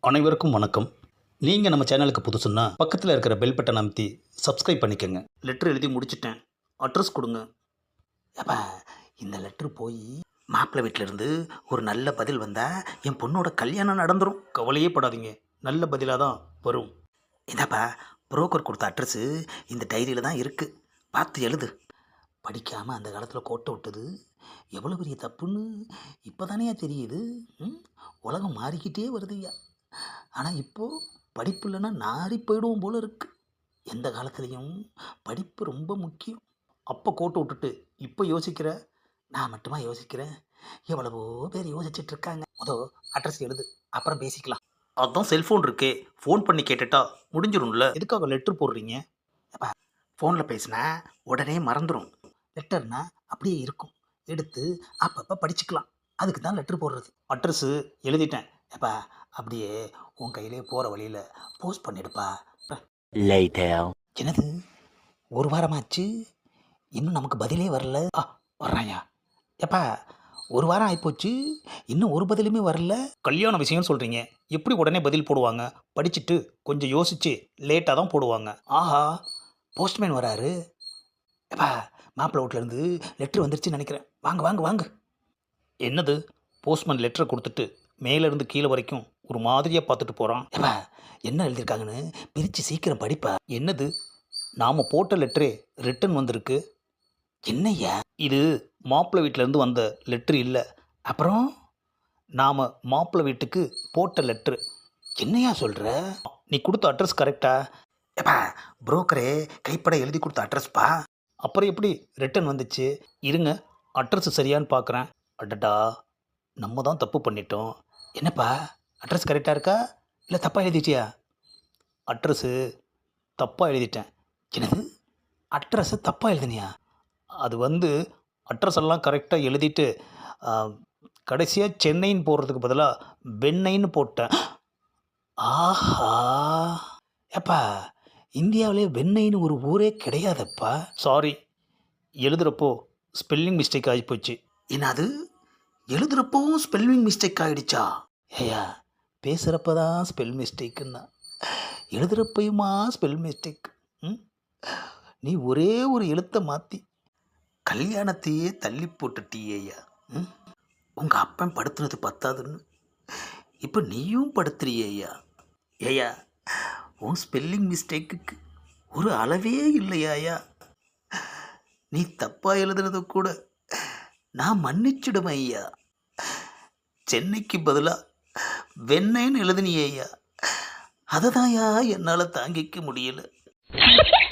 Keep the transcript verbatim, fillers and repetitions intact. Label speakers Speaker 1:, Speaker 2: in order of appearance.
Speaker 1: அனைவருக்கும் வணக்கம். நீங்கள் நம்ம சேனலுக்கு புதுசுன்னா பக்கத்தில் இருக்கிற பெல் பட்டன் அமைத்தி சப்ஸ்கிரைப் பண்ணிக்கோங்க. லெட்ரு எழுதி முடிச்சிட்டேன், அட்ரஸ் கொடுங்க.
Speaker 2: ஏப்பா, இந்த லெட்ரு போய் மாப்பிள்ளை வீட்டிலேருந்து ஒரு நல்ல பதில் வந்தால் என் பொண்ணோட கல்யாணம் நடந்துடும்.
Speaker 1: கவலையே படாதீங்க, நல்ல பதிலாக தான் வரும்.
Speaker 2: இதாப்பா, புரோக்கர் கொடுத்த அட்ரஸு இந்த டைரியில் தான் இருக்குது, பார்த்து எழுது. படிக்காமல் அந்த காலத்தில் கோட்டை விட்டது எவ்வளோ பெரிய தப்புன்னு இப்போ தானே தெரியுது. ம் உலகம் மாறிக்கிட்டே வருதுய்யா. ஆனால் இப்போது படிப்பு இல்லைன்னா நாரி போயிடுவோம் போல இருக்குது. எந்த காலத்துலேயும் படிப்பு ரொம்ப முக்கியம்.
Speaker 1: அப்போ கோட்டை விட்டுட்டு இப்போ யோசிக்கிற?
Speaker 2: நான் மட்டுமா யோசிக்கிறேன், எவ்வளவோ பேர் யோசிச்சுட்டு இருக்காங்க. முதல் அட்ரஸ் எழுது, அப்புறம் பேசிக்கலாம்.
Speaker 1: அதான் செல்ஃபோன் இருக்கே, ஃபோன் பண்ணி கேட்டுட்டா முடிஞ்சிடும்ல. எதுக்காக லெட்ரு போடுறீங்க?
Speaker 2: அப்பா, ஃபோனில் பேசினா உடனே மறந்துடும். லெட்டர்னா அப்படியே இருக்கும், எடுத்து அப்பப்போ படிச்சுக்கலாம். அதுக்கு தான் லெட்ரு போடுறது.
Speaker 1: அட்ரஸு எழுதிட்டேன்.
Speaker 2: ஏப்பா, அப்படியே உன் கையிலே போகிற வழியில் போஸ்ட் பண்ணிடுப்பா.
Speaker 3: Later.
Speaker 2: என்னது, ஒரு வாரமாச்சு இன்னும் நமக்கு பதிலே வரல. ஆ, வர்றாயா? ஏப்பா, ஒரு வாரம் ஆகிப்போச்சு, இன்னும் ஒரு பதிலுமே வரல.
Speaker 1: கல்யாண விஷயம்னு சொல்கிறீங்க, எப்படி உடனே பதில் போடுவாங்க? படிச்சுட்டு கொஞ்சம் யோசிச்சு லேட்டாக தான் போடுவாங்க.
Speaker 2: ஆஹா, போஸ்ட்மேன் வராரு. ஏப்பா, மாப்பிள்ளை வீட்டிலேருந்து லெட்ரு வந்துருச்சுன்னு நினைக்கிறேன். வாங்க வாங்க வாங்க.
Speaker 1: என்னது, போஸ்ட்மேன் லெட்டரை கொடுத்துட்டு மேலேருந்து கீழே வரைக்கும் ஒரு மாதிரியாக பார்த்துட்டு போகிறான்.
Speaker 2: ஏப்பா, என்ன எழுதியிருக்காங்கன்னு பிரித்து சீக்கிரம் படிப்பா.
Speaker 1: என்னது, நாம் போட்ட லெட்டரே ரிட்டன் வந்திருக்கு.
Speaker 2: என்னய்யா
Speaker 1: இது மாப்பிள்ளை வீட்டிலேருந்து வந்த லெட்ரு இல்லை,
Speaker 2: அப்புறம்?
Speaker 1: நாம் மாப்பிள்ளை வீட்டுக்கு போட்ட லெட்ரு.
Speaker 2: என்னையா சொல்கிற?
Speaker 1: நீ கொடுத்த அட்ரஸ் கரெக்டா?
Speaker 2: ஏப்பா, புரோக்கரே கைப்பட எழுதி கொடுத்த அட்ரஸ்ப்பா.
Speaker 1: அப்புறம் எப்படி ரிட்டன் வந்துச்சு? இருங்க, அட்ரஸ் சரியான்னு பார்க்குறேன். அடடா, நம்ம தான் தப்பு பண்ணிட்டோம்.
Speaker 2: என்னப்பா, அட்ரஸ் கரெக்டாக இருக்கா இல்லை தப்பாக எழுதிட்டியா?
Speaker 1: அட்ரஸு தப்பாக எழுதிட்டேன்.
Speaker 2: என்னது, அட்ரஸை தப்பாக எழுதினியா?
Speaker 1: அது வந்து அட்ரஸ் எல்லாம் கரெக்டாக எழுதிட்டு கடைசியாக சென்னைன்னு போடுறதுக்கு பதிலாக வெண்ணெய்ன்னு போட்டேன்.
Speaker 2: ஆஹா, ஏப்பா, இந்தியாவிலே வெண்ணெய்னு ஒரு ஊரே கிடையாதப்பா.
Speaker 1: சாரி, எழுதுகிறப்போ ஸ்பெல்லிங் மிஸ்டேக் ஆகிப்போச்சு.
Speaker 2: என்னது, எழுதுகிறப்பவும் ஸ்பெல்லிங் மிஸ்டேக் ஆகிடுச்சா?
Speaker 1: ஏயா, பேசுகிறப்ப தான் ஸ்பெல் மிஸ்டேக்குன்னா எழுதுகிறப்பையுமா ஸ்பெல் மிஸ்டேக்? ம் நீ ஒரே ஒரு எழுத்தை மாற்றி
Speaker 2: கல்யாணத்தையே தள்ளி போட்டுட்டியேயா. ம் உங்கள் அப்பன் படுத்துனது பத்தாதுன்னு இப்போ நீயும் படுத்துறியேயா. ஏயா, உன் ஸ்பெல்லிங் மிஸ்டேக்குக்கு ஒரு அளவே இல்லையாயா. நீ தப்பாக எழுதுனது கூட நான் மன்னிச்சிடுவேன் ஐயா. சென்னைக்கு பதிலாக வெண்ணெய்ன்னு எழுதுனியேயா, அதை தான்யா என்னால் தாங்கிக்க முடியல.